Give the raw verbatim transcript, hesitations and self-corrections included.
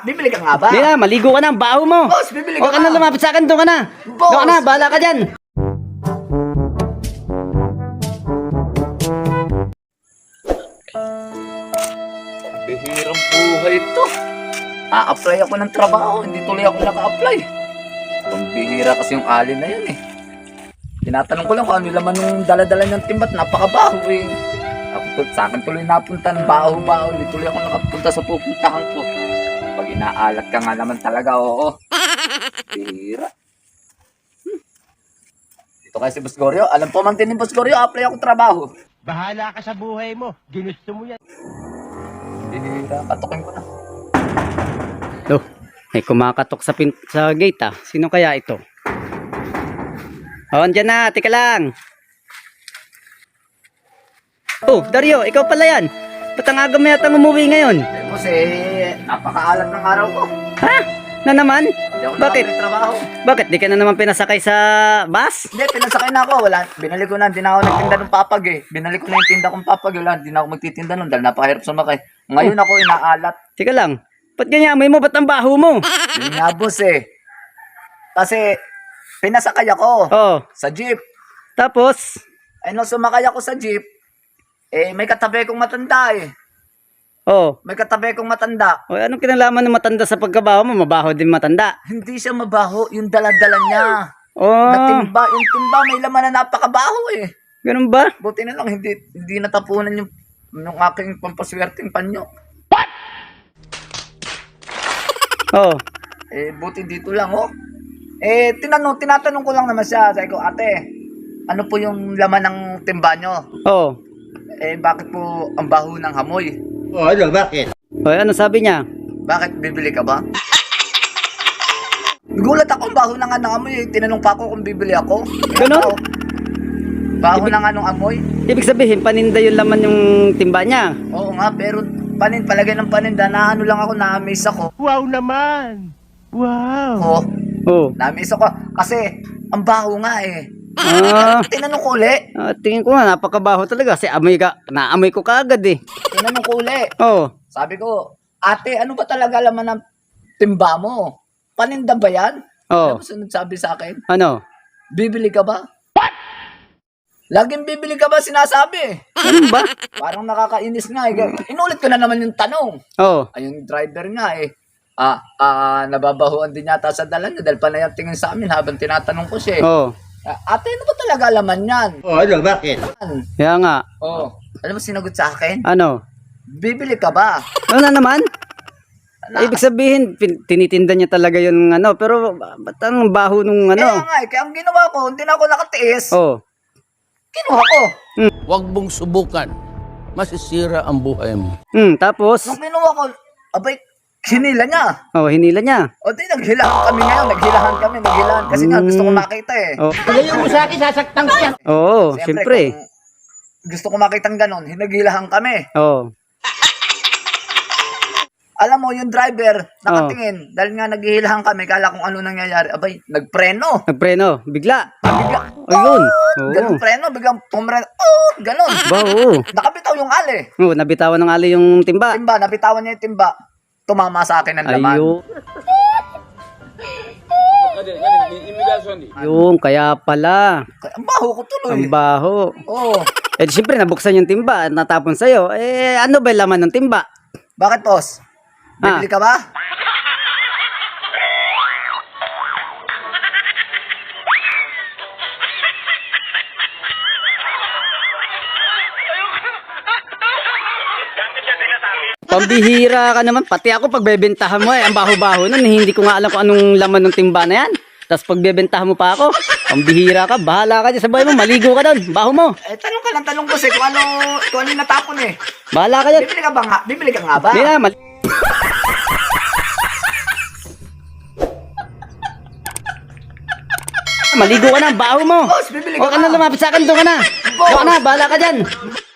bibili ka nga ba? Hindi na, maligo ka na, ang baho mo. Boss, bibili ka Huwag ka na ba? lumapit sa akin, doon ka na. Boss! Doon ka na, bahala ka dyan. Bihirang buhay ito. A-apply ako ng trabaho, hindi tuloy ako naka-apply. Ang bihira kasi yung alin na yun eh. Tinatanong ko lang kung ano yung laman ng dala-dala niyang timbat, napakabaho eh. Ako, tul- sa akin tuloy napunta ng baho-baho, hindi tuloy ako nakapunta sa pupuntahan ko. Pag inaalat ka nga naman talaga, oo. Bihira. Hmm. Dito kay si Boss Goryo, alam po man din ni Boss Goryo, apply ako trabaho. Bahala ka sa buhay mo. Ginusto mo yan. Bihira, katukin ko na. Oh, may kumakatok sa, pin sa gate ah. Sino kaya ito? Oh, andyan na, tika lang. Oh, Dario, ikaw pala yan. Ba't ang aga mo yatang umuwi ngayon? Eh, boss eh, napakaalat ng araw ko. Ha? Na naman? Hindi ako Bakit? nakapag trabaho. Bakit? Di ka na naman pinasakay sa bus? Hindi, pinasakay na ako. Wala, binali ko na. Hindi na ako nagtinda ng papag eh. Binali ko na yung tinda kong papag. Wala, hindi na ako magtitinda nun dahil napakahirap sumakay. Ngayon ako inaalat. Tika lang. Ba't ganyan amoy mo? Ba't ang baho mo? Yun nga, boss eh. Kasi, pinasakay ako Oh, sa jeep. tapos? Eh, nung sumakay ako sa jeep, eh, may katabi kong matanda eh. Oh, May katabi kong matanda. oh anong kinalaman ng matanda sa pagkabaho mo? Mabaho din matanda. Hindi siya mabaho. Yung daladala niya. Oh, Natimba. Yung timba, may laman na napakabaho eh. ganun ba? Buti na lang, hindi, hindi natapunan yung, yung aking pampaswerteng panyo. Oh, Eh, buti dito lang, oh. Eh, tinanong, tinatanong ko lang naman siya. Sabi ko, ate, ano po yung laman ng timba nyo? oh. Eh, bakit po ang baho ng hamoy? O ano, bakit? Oh, ano sabi niya? Bakit bibili ka ba? Gulat ako, ang baho na nga ng amoy. Eh. Tinanong pa ako kung bibili ako. Eh, Ganon? ako, baho na nga ng amoy. Ibig sabihin, paninda yung laman yung timba niya. Oo nga, pero panin, palagay ng paninda, na ano lang ako, na-amaze ako. Wow naman! Wow! Oh, Oh. na-amaze ako. Kasi, ang baho nga eh. Ah, Tinanong ko uli. ah, tingin ko nga, napakabaho talaga. Kasi amoy ka, naamoy ko kaagad eh. Tinanong ko uli. Oh, Sabi ko, ate, ano ba talaga laman ng timba mo? Paninda ba yan? oh. Ano sunod sabi sa akin? Ano? Bibili ka ba? Laging bibili ka ba sinasabi? Ano ba? Parang nakakainis nga eh. Inulit ko na naman yung tanong. Oh, Ay, yung driver nga eh. Ah, ah, nababahuan din yata sa dala niya dahil panay ang tingin sa amin habang tinatanong ko siya eh. oh. Ah, ate, ano ba talaga laman yan? O ano, bakit? Kaya nga. Oh, alam mo sinagot sa akin? Ano? Bibili ka ba? Ano na naman? Na, Ibig sabihin, pin- tinitinda niya talaga yung ano. Pero, ba- ba't ang baho nung Kaya ano? nga eh, kaya ang ginawa ko, hindi na ako nakatiis. Oh. Kinuha ko. Huwag mong subukan. Masisira ang buhay mo. Hmm, tapos? Nung kinuha ko, abay, hinila niya. Oh, hinila niya. O di, naghilahan kami ngayon. Naghilahan kami, naghilahan. Kasi nga, gusto ko makita eh. Oh. Ilayo mo sa akin, sasaktan ko yan. Oo, siyempre. kung gusto ko makita ng ganon, hinaghilahan kami. Oh. Alam mo, yung driver, nakatingin. Dahil nga naghihilahan kami, kala kung ano nangyayari. Abay, nagpreno. Nagpreno, bigla. Bigla, Ayun. ganun Oo. preno, biglang pumreno. Oh, ganon. Ba, oo. Nakabitaw yung ali. Oh, nabitawan ng ali yung timba. Timba, nabitawan niya yung timba. Tumama sa akin ang laman. Ayun. Yung, kaya pala. Ang baho ko tuloy. Ang baho. Oo. Eh, di siyempre, nabuksan yung timba at natapon sa'yo. Eh, ano ba yung laman ng timba? Bakit, boss? Ah. Bibili ka ba? Pambihira ka naman. Pati ako pagbebentahan mo eh. Ang baho-baho nun. Hindi ko nga alam kung anong laman ng timba na yan. Tapos pagbebentahan mo pa ako. Pambihira ka. Bahala ka dyan sa buhay mo. Maligo ka doon. Baho mo. Eh, tanong ka lang, tanong ko eh, kung ano, kung ano yung natapon eh. Bahala ka dyan. Bibili ka ba nga? Bibili ka nga ba? Hindi na. Mali- Maligo ka na. Baho mo. Boss, bibili ka Huwag ka ba? na lumapit sa akin. Doon ka na. Doon ka na. Bahala ka dyan.